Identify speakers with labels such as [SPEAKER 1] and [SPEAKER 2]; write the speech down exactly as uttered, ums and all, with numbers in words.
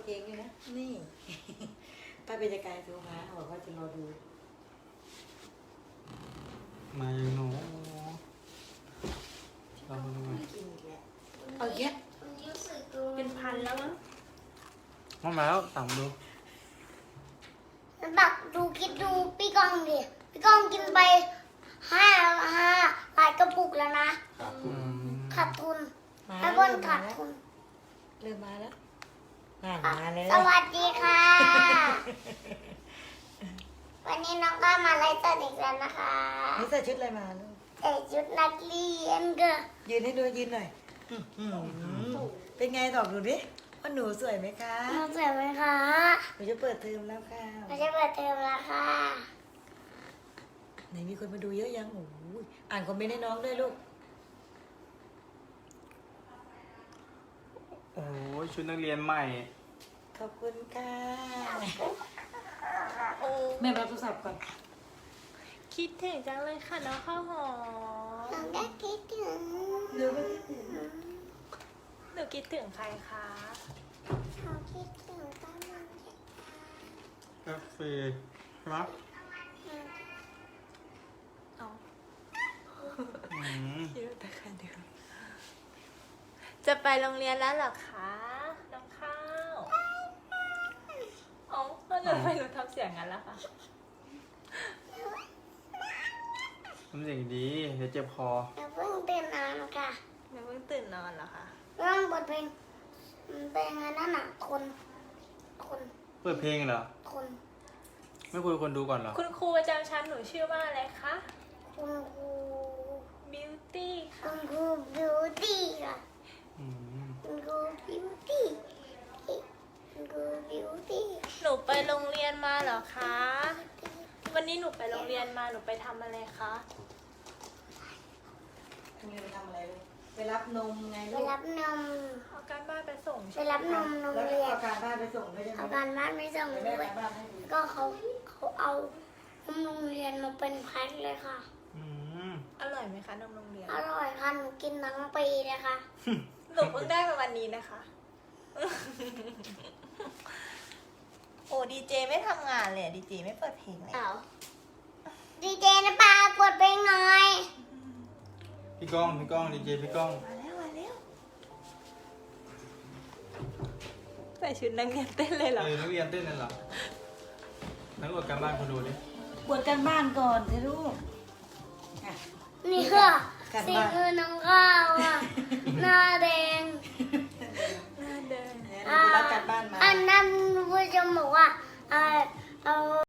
[SPEAKER 1] เพลงด้วยนะนี่ ป้าเป็นกายโทรมาบอกว่าจะรอดู
[SPEAKER 2] มาอย่างหนูเรามาดูไหม
[SPEAKER 1] กินอีกแล้วเอาแยะ
[SPEAKER 3] เป็นพันแล้วมั้ง
[SPEAKER 2] มามาแล้วสั่งดู
[SPEAKER 4] บักดูคิดดูพี่ก้องดิพี่ก้องกินไปห้าห้าหลายกระปุกแล้วนะ
[SPEAKER 2] อืม
[SPEAKER 4] ขาดทุน
[SPEAKER 1] มา
[SPEAKER 4] ให้
[SPEAKER 1] แล้ว
[SPEAKER 4] บนขาดทุน
[SPEAKER 1] เริ่มมาแล้วอ่านมาเลย
[SPEAKER 4] สวัสดีค่ะ วันนี้น้องก็มาไลฟ์สดอีกแล้วนะคะ
[SPEAKER 1] นี่ใส่ชุดอะไรมาลูก
[SPEAKER 4] ใส่ชุดนักเรียนก็
[SPEAKER 1] ยืนให้ดูยืนหน่อยอื้อหือเป็นไงตอบดูดิว่าหนูสวยไหมคะ
[SPEAKER 4] น้องสวยไหมคะ
[SPEAKER 1] หนูจะเปิดเทอมแล้วค่ะ
[SPEAKER 4] ไม่ใช่เปิดเทอมแล้วค่ะ
[SPEAKER 1] ไหนมีคนมาดูเยอะยังโอ้ยอ่านคอมเมนต์ให้น้องด้วยลูก
[SPEAKER 2] โอ้ยชุดนักเรียนใหม่
[SPEAKER 1] ขอบคุณค่ะ
[SPEAKER 3] โอ้
[SPEAKER 1] แม่รับโทรศัพท์ก่อน
[SPEAKER 3] คิดถึงจังเลยค่ะน้องข้าวหอม
[SPEAKER 4] น้องก็คิดถึง
[SPEAKER 1] เดี๋ยวไม่ได้ถึง
[SPEAKER 3] หนูคิดถึงใครคะ
[SPEAKER 4] เขาคิดถึงตอนนั้นเด็ก
[SPEAKER 2] กาแฟใช่ไหม
[SPEAKER 3] เอา
[SPEAKER 2] อืม
[SPEAKER 3] คิดว่าแต่ค่ะเดียวจะไปโรงเรียนแล้วเหรอคะน้องข้าวอ๋อแล้วหนูไม่รู้ทำเสียงงั้นแล้วค่ะ
[SPEAKER 2] ทำเสียงดีเดี๋ยวเจ็บคอ
[SPEAKER 4] เราเพิ่งตื่นนอนค่ะ
[SPEAKER 3] หนูเพิ่งตื่นนอนเหรอคะ
[SPEAKER 4] เรื่องบทเพลงมันเป็นไงนั่นน่ะทนทน
[SPEAKER 2] เปิดเพลงเหรอ
[SPEAKER 4] ทน
[SPEAKER 2] ไม่คุยกับคนดูก่อนเหรอ
[SPEAKER 3] คุณครูประจำชั้นหนูชื่อว่าอะไรคะ
[SPEAKER 4] คุณครู
[SPEAKER 3] บิวตี้ค่ะ
[SPEAKER 4] คุณครูบิวตี้ค่ะ
[SPEAKER 2] อืม
[SPEAKER 4] คุณครูบิวตี้คุณครูบิวตี้
[SPEAKER 3] หนูไปโรงเรียนมาเหรอคะ วันนี้หนูไปโรงเรียนมาหนูไปทำอะไรคะ
[SPEAKER 1] โรงเรียนไปทำอะไรลูกไปรับนมไง
[SPEAKER 4] ไป
[SPEAKER 1] ลูก
[SPEAKER 4] รับนม
[SPEAKER 3] เอาการบ้านไปส่ง
[SPEAKER 4] ไป
[SPEAKER 3] ใช่ไหม
[SPEAKER 4] รับนมโรง
[SPEAKER 1] แล้ว
[SPEAKER 4] เรียน
[SPEAKER 1] เอาการบ้านไปส่งด้วยใช่ไหม
[SPEAKER 4] เอาการบ้านไม่ส่ง
[SPEAKER 1] เดี๋ยว
[SPEAKER 4] ด้
[SPEAKER 1] แม่
[SPEAKER 4] วย
[SPEAKER 1] การบ้านให้ดู
[SPEAKER 4] ก็เขาเขาเอานมโรงเรียนมาเป็นพัดเลยค่ะ
[SPEAKER 2] อืม
[SPEAKER 3] อร่อยไหมคะนมโรงเรียน
[SPEAKER 4] อร่อยค่ะหนูกินทั้งปีเลยค่ะ
[SPEAKER 3] หนูเพิ่งได้มาวันนี้นะคะ โอ้ดีเจไม่ทำงานเลยดีเจไม่เปิดเพลงเลย
[SPEAKER 4] เอาดีเจนะปากดเพลงหน่อย
[SPEAKER 2] พี่ก้องพี่ก้องดีเจพี่ก้อง
[SPEAKER 3] มาแล้วมาแล้วใส่ชุดนักเรียนเต้นเลยเหรอ
[SPEAKER 2] เออนักเรียนเต้นนั่นเหรอนักอวดการบ้านคนดูดิ
[SPEAKER 1] กวดการบ้านก่อนสิลูกอ่ะ
[SPEAKER 4] นี่ค่ะ
[SPEAKER 1] การ
[SPEAKER 4] สี
[SPEAKER 1] บ้าน
[SPEAKER 4] มือน้องข้าวอ่ะ หน้าแดง
[SPEAKER 3] หน้าเดิน
[SPEAKER 1] หนูไปรับการบ้านมา
[SPEAKER 4] อันนั้นผู้ชมบอกว่าเอ่อเอา